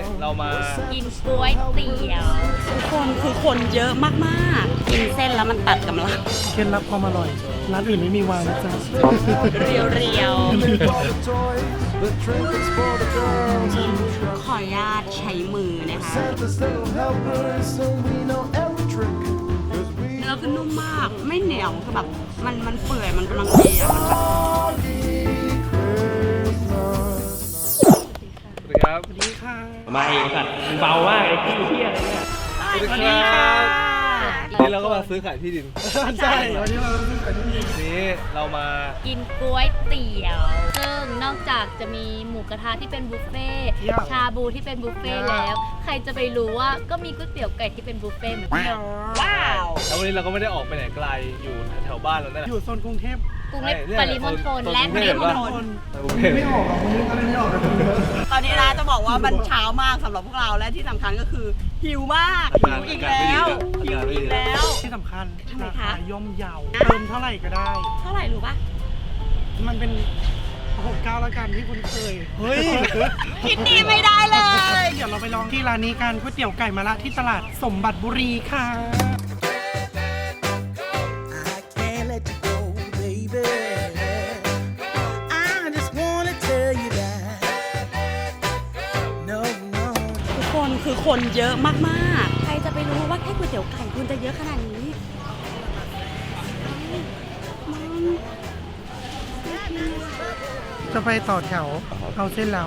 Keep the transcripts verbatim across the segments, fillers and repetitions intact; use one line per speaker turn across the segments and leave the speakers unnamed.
เรามา
กินก๋วยเตี๋ยวทุกคนคือคนเยอะมากๆกินเส้นแล้วมันตัดกำลัง
เคล็ดลับความอร่อยร้านอื่นไม่มีวางนะจ๊ะ
เรียวเรียวขออนุญาตใช้มือนะคะเนื้อคือนุ่มมากไม่เหนียวคือแบบมันมันเปื่อยมันกำลังดีอะมันแบบ
ครับ
สวัสดีค่ะ
มาเองสัตว์เบามากไอ้ที่เที่ยอะไรเนี่ย
สวัสดีครับนี่เราก็มาซื้อขายที่ดิน
ใช่วันนี้เราซื้อขายที่ดิน
นี้เรามา
กินก๋วยเตี๋ยวซึ่งนอกจากจะมีหมูกระทะที่เป็นบุฟเฟ่ชาบูที่เป็นบุฟเฟ่แล้วใครจะไปรู้ว่าก็มีก๋วยเตี๋ยวไก่ที่เป็นบุฟเฟ่เหมือนกันว้าว
แล้ววันนี้เราก็ไม่ได้ออกไปไหนไกลอยู่แถวบ้านเรานั่นแหละ
อยู่โซนกรุงเทพ
กรุงเทพปริมณฑลและปริมณฑล
ไม่ออกวันนี้ก็เลยไม่ออกเลย
ตอนนี้นะจะบอกว่ามันเช้ามากสำหรับพวกเราและที่สำคัญก็คือหิวมากหิวอีกแล้วหิวอีกแล้ว
ที่สำคัญราคาย่อมเยาเติมเท่าไหร่ก็ได้
เท่าไหร่รู้ปะ
มันเป็นหกเก้าแล้วกันที่คุณเคย
เฮ้ย
คิดดีไม่ได้เลย
เดี๋ยวเราไปลองที่ร้านนี้กันก๋วยเตี๋ยวไก่มะระที่ตลาดสมบัติบุรีค่ะ
คือคนเยอะมากๆใครจะไปรู้ว่าแค่ก๋วยเตี๋ยวไก่คุณจะเยอะขนาดนี้
จะไปต่อแถวเอาเส้นแล้ว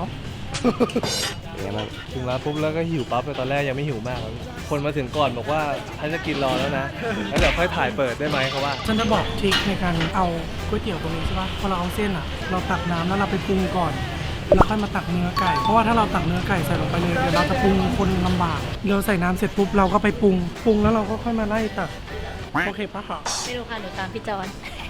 ถึงร้านปุ๊บแล้วก็หิวปั๊บเลยตอนแรกยังไม่หิวมากคนมาถึงก่อนบอกว่าฉันจะกินรอแล้วนะแล้วเดี๋ยวค่อยถ่ายเปิดได้ไหมเขาว่า
ฉันจะบอกทริคในการเอาก๋วยเตี๋ยวตรงนี้ใช่ป่ะพอเราเอาเส้นอ่ะเราตักน้ำแล้วเราไปปรุงก่อนแล้วค่อยมาตักเนื้อไก่เพราะว่าถ้าเราตักเนื้อไก่ใส่ลงไปเลยเดี๋ยวเราจะปรุงคนลำบากเราใส่น้ำเสร็จปุ๊บเราก็ไปปรุงปรุงแล้วเราก็ค่อยมาไล่ตักโอเคปะคะ
ไม่รู้ค่ะหนูตามพี่จอน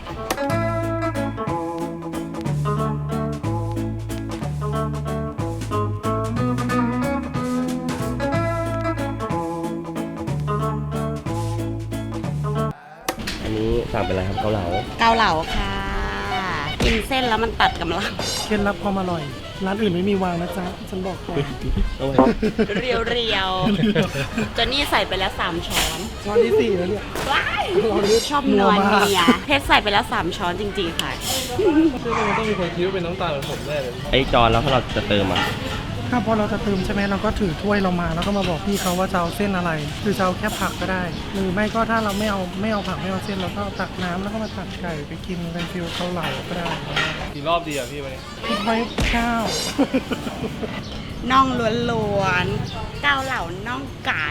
อันนี้สั่งเป็นอะไรครับเกาเหลา
เกาเหลาค่ะกินเส้นแล้วมันตัดกำลัง
เคล็ดลับความอร่อยร้านอื่นไม่มีวางนะจ๊ะฉันบอกก่อน
เรียวเรียวจนนี่ใส่ไปแล้วสามช้อน
ช้อนที่สี่แล้วเนี่ย
ว้ายชอบนวลเนียเพชรใส่ไปแล้วสามช้อนจริงๆค่ะ
ซึ่งมันต้องมีคนคิดว่าเป็นน้ำตาลเหมือนผมแน่เลย
ไอ้จอนแล้วถ้าเราจะเติมอ่ะ
ถ้าพอเราจะเติมใช่ไหมเราก็ถือถ้วยเรามาแล้วก็มาบอกพี่เขาว่าจะเอาเส้นอะไรหรือจะเอาแค่ผักก็ได้หรือไม่ก็ถ้าเราไม่เอาไม่เอาผักไม่เอาเส้นเราก็ตักน้ำแล้วก็มาตักไก่ไปกินเป็นฟิวเกาเหลาก็ได้
กี่รอบดีอ่ะพี่วันนี้
ไว้เก้า
น่องล้วนๆเกาเหลาน่องไก่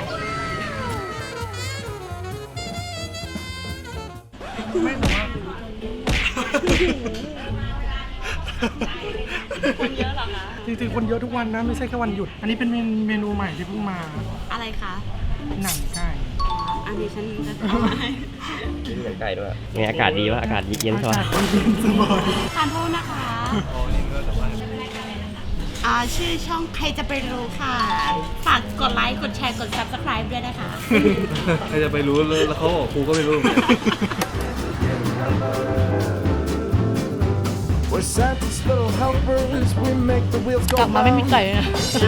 ไม่บอกว่า
คนเยอะหรอคะ
จริงๆคนเยอะทุกวันนะไม่ใช่แค่วันหยุดอันนี้เป็นเมนูใหม่ที่เพิ่งมา
อะไรคะ
หนังไก่
อันนี้ฉันจะเอาไว้
กินหนังไก่ด้วยไงอากาศดีวะอากาศเย็นสบาย
ทานโทษนะคะอ่าชื่อช่องใครจะไปรู้ค่ะฝากกดไลค์กดแชร์กด ซับสไครบ์ ด้วยนะคะ
ใครจะไปรู้แล้วเขาบอกกูก็ไม่รู้
กลับมาไม่มีไก่นะ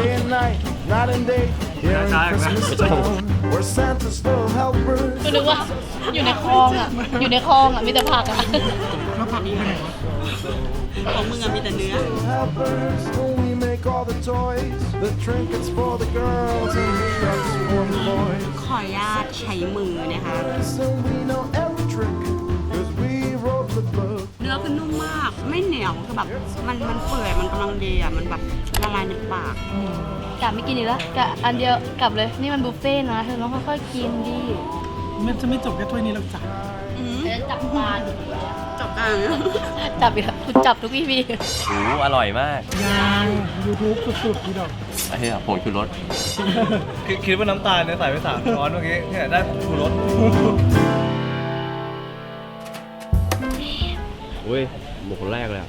ก็นึกว่าอยู่ในคลองอ่ะอยู่ในคลองอ่ะมีแต่ผักอ่ะ
แล้วผักไปไหนวะ
ของมึงอะมีแต่เนื้อ
ขออนุญาตใช้มือนะคะเนื้อคือนุ่มมากไม่เหนียวคือแบบมันมันเปื่อยมันกำลังดีอ่ะมันแบบละลายในปากกะไม่กินอีกแล้วกะอันเดียวกลับเลยนี่มันบุฟเฟ่นะเธอต้องค่อยๆกินดิ
มันจะไม่จบแค่ถ้วยนี้หรอกจ้ะ
จับปลาจับกลางจับอีกแล้วคุณจับทุกพี่พี่
โอ้อร่อยมาก
ยังยูทูบสุดๆพี่ดอก
ไอ้เหี้ยผงชูรส
คิดว่าน้ำตาลเนี่ยใส่ไปสามช้อนเมื่อกี้เนี่ยได้ผงชูรส
อุ้ยหมูคนแรกเลย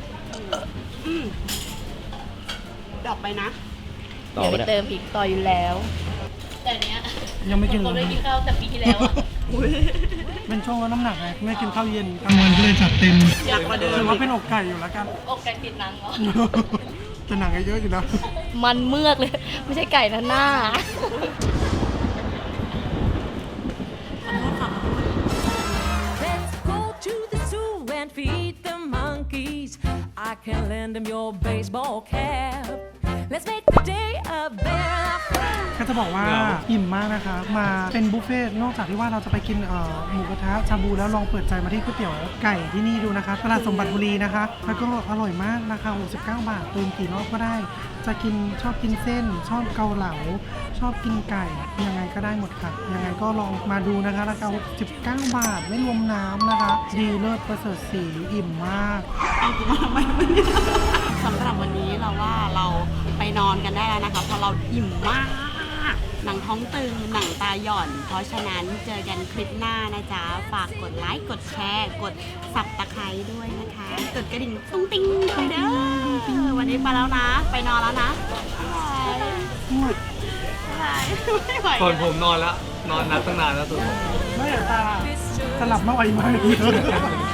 ดอกไปนะ
ต่อไป
เติมอีกต่ออยู่แล้วแต่เนี้ย
ยังไม่กิน
ผมเลยกินข้าวแต่ปีที่แล้ว
เป็นช่วงลดน้ำหนักไงไม่กินข้าวเย็นกลางวันก็เลยจัดเต็ม
อยากมาเดิน
ถือว่าเป็นอกไก่อยู่แล้วกัน
อกไก่ติดหนังเหรอ
แต่หนังก็เยอะอยู่นะ
มันเมือกเลย ไม่ใช่ไก่นะหน้า
Let's go to the zoo and feed the monkeys. I can lend them your baseball cap. Let's make the day a better.
ก็จะบอกว่าอิ่มมากนะคะ มาเป็นบุฟเฟ่ต์นอกจากที่ว่าเราจะไปกินเอ่อหมูกระทะชาบูแล้วลองเปิดใจมาที่ก๋วยเตี๋ยวไก่ที่นี่ดูนะคะตลาดสมบัติบุรีนะคะ แล้วก็อร่อยมากราคาหกสิบเก้าบาทเติมกี่รอบก็ได้ จะกินชอบกินเส้น ชอบเกาเหลา ชอบกินไก่ยังไงก็ได้หมดค่ะ ยังไงก็ลองมาดูนะคะราคาหกสิบเก้าบาทไม่รวมน้ำนะคะ ดีเลิศประเสริฐสีอิ่มมาก
สำหรับวันนี้เราว่าเราไปนอนกันได้แล้วนะคะเพราะเราอิ่มมาก หนังท้องตึงหนังตาหย่อน เพราะฉะนั้นเจอกันคลิปหน้านะจ๊ะ ฝากกดไลค์กดแชร์ กดสับตะไคร้ด้วยนะคะ กดกระดิ่งตุ้งติ้งด้วยเด้อวันนี้ไปแล้วนะ ไปนอนแล้วนะบ๊ายบายบ๊ายบายไม่ไหว
ส่วนผมนอนแล้ว นอนนับตั้งนานแล้วส่วนผม
ไม่อยากตาสลับมาไวมาก